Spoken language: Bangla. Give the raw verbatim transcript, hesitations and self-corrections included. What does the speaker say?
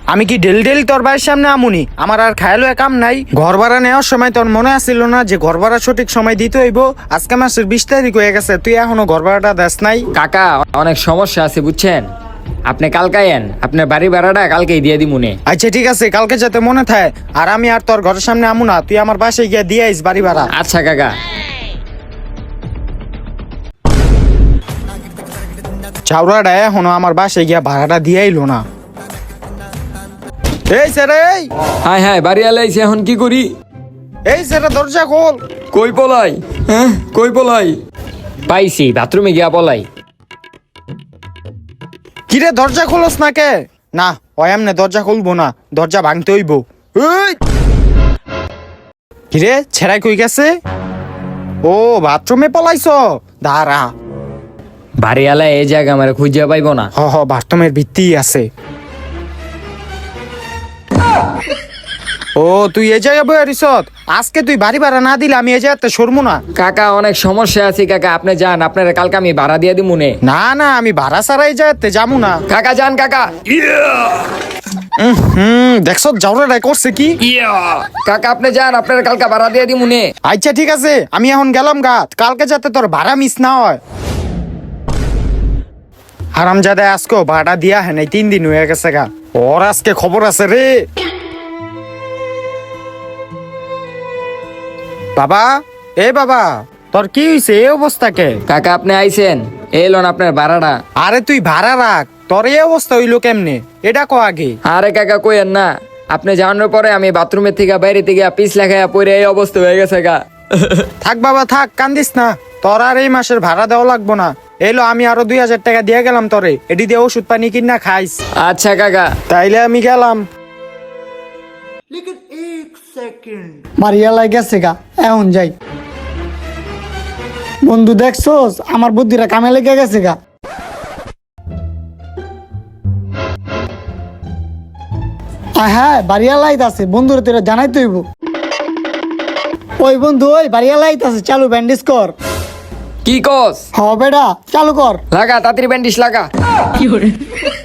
আমি কি ডেল ডেল তোর ভাইয়ের সামনে আমুনি? আমার আর খায়ালো কাম নাই। ঘর ভাড়া নেওয়ার সময় তোর মনে আসছিল না যে ঘর ভাড়া সঠিক সময় দিতে হইব? আজকে মাসের বিশ তারিখ হয়ে গেছে, তুই এখনো ঘর ভাড়াটা দেস নাই। কাকা অনেক সমস্যা আছে বুঝছেন, আপনি কালকে আইন, আপনার বাড়ি ভাড়াটা কালকেই দিয়ে দিমুনে। আচ্ছা ঠিক আছে, কালকে যাতে মনে থাকে। আর আমি আর তোর ঘরের সামনে আমু না, তুই আমার বাসায় গিয়ে দিয়ে আইস বাড়ি ভাড়া। আচ্ছা কাকা। চাউরাটা এখনো আমার বাসায় গিয়া ভাড়াটা দিয়ে আইলো না। এই স্যার, এই হাই হাই বাড়ি আলাইছি, এখন কি করি? এই স্যার দরজা খোল। কই পলাই? হ্যাঁ কই পলাই? পাইছি, বাথরুমে গিয়া পলাই। কিরে দরজা খোলস না কে? না ওই এমনি দরজা খুলবো না, দরজা ভাঙতে হইব। এই! কিরে ছেড়াই কই গেছে? ও বাথরুমে পলাইছ, দাঁড়া। বাড়ি আলাই এই জায়গা আমার খুঁজিয়া পাইব না। হ হ বাথরুমের ভিত্তি আছে। ও তুই এ জায়গায় বই আরিসত? আজকে তুই বাড়ি ভাড়া না দিলে আমি এ জায়গাতে সরমু না। কাকা অনেক সমস্যা আছে কাকা, আপনি যান, আপনার কালকে আমি ভাড়া দিয়ে দিমুনে। না না আমি ভাড়া ছাড়া এই জায়গাতে যাবো না। কাকা যান কাকা। হুম দেখছ জাউরাটাই করছে কি? কাকা আপনি যান, আপনার কালকে ভাড়া দিয়ে দিমুনে। আচ্ছা ঠিক আছে, আমি এখন গেলাম গা, কালকে যাতে তোর ভাড়া মিস না হয়। হারামজাদা আজকে ভাড়া দিয়া হ্যাঁ নাই, তিন দিন হয়ে গেছে গা। ওর আজকে খবর আছে রে। বাবা, এ বাবা, তোর কি হইছে এই অবস্থাকে? কাকা আপনি আইছেন, এই লোন আপনার ভাড়াটা। আরে তুই ভাড়া রাখ, তোর এই অবস্থা হইলো কেমনে এটা কো আগে। আরে কাকা কইেন না, আপনি জানার পরে আমি বাথরুমের থেকে বাইরে থেকে পিছ লাগাইয়া পরে এই অবস্থা হয়ে গেছে গা। থাক বাবা থাক, কান্দিস না, তোর আর এই মাসের ভাড়া দেওয়া লাগবো না। এলো আমি আরো দুই হাজার টাকা দিয়ে গেলাম তোরে, এটি দিয়ে ওষুধ পানি কিনা খাইস। আচ্ছা কাকা। তাইলে আমি গেলাম। মারিয়ালাই গেছে গা, এখন যাই। বন্ধু দেখছোস আমার বুদ্ধিরা কামে লেগে গেছে গা। হ্যাঁ বাড়িয়ালাইত আছে, বন্ধুরা তোরা জানাই তৈব। ওই বন্ধু ওই বাড়িয়ালাইত আছে, চালু ব্যান্ডেজ কর। কি কস? হ বেটা চালু কর। লাগা তাড়াতাড়ি ব্যান্ডিশ লাগা।